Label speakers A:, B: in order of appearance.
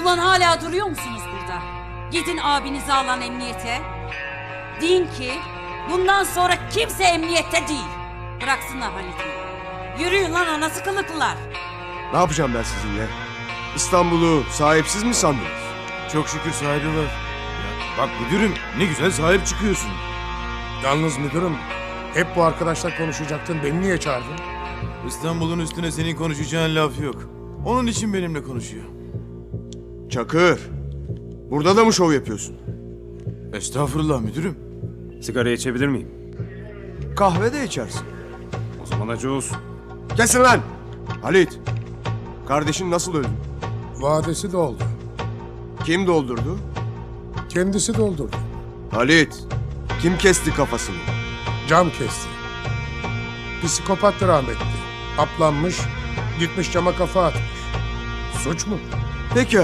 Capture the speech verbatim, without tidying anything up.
A: Ulan hala duruyor musunuz burada? Gidin abinizi alan emniyete. Deyin ki bundan sonra kimse emniyette değil. Bıraksınlar Halit'i. Yürüyün lan anası kılıklılar.
B: Ne yapacağım ben sizinle? İstanbul'u sahipsiz mi sandınız?
C: Çok şükür sahibi var. Ya, bak müdürüm ne güzel sahip çıkıyorsun.
D: Yalnız müdürüm, hep bu arkadaşlar konuşacaktın. Beni niye çağırdın?
C: İstanbul'un üstüne senin konuşacağın laf yok. Onun için benimle konuşuyor.
B: Çakır, burada da mı şov yapıyorsun?
C: Estağfurullah müdürüm.
E: Sigara içebilir miyim?
B: Kahve de içersin.
E: O zaman acı olsun.
B: Kesin lan! Halit, kardeşin nasıl öldü?
D: Vadesi doldu.
B: Kim doldurdu?
D: Kendisi doldurdu.
B: Halit, kim kesti kafasını?
D: Cam kesti. Psikopattı rahmetli. Aplanmış, gitmiş cama kafa atmış. Suç mu?
B: Peki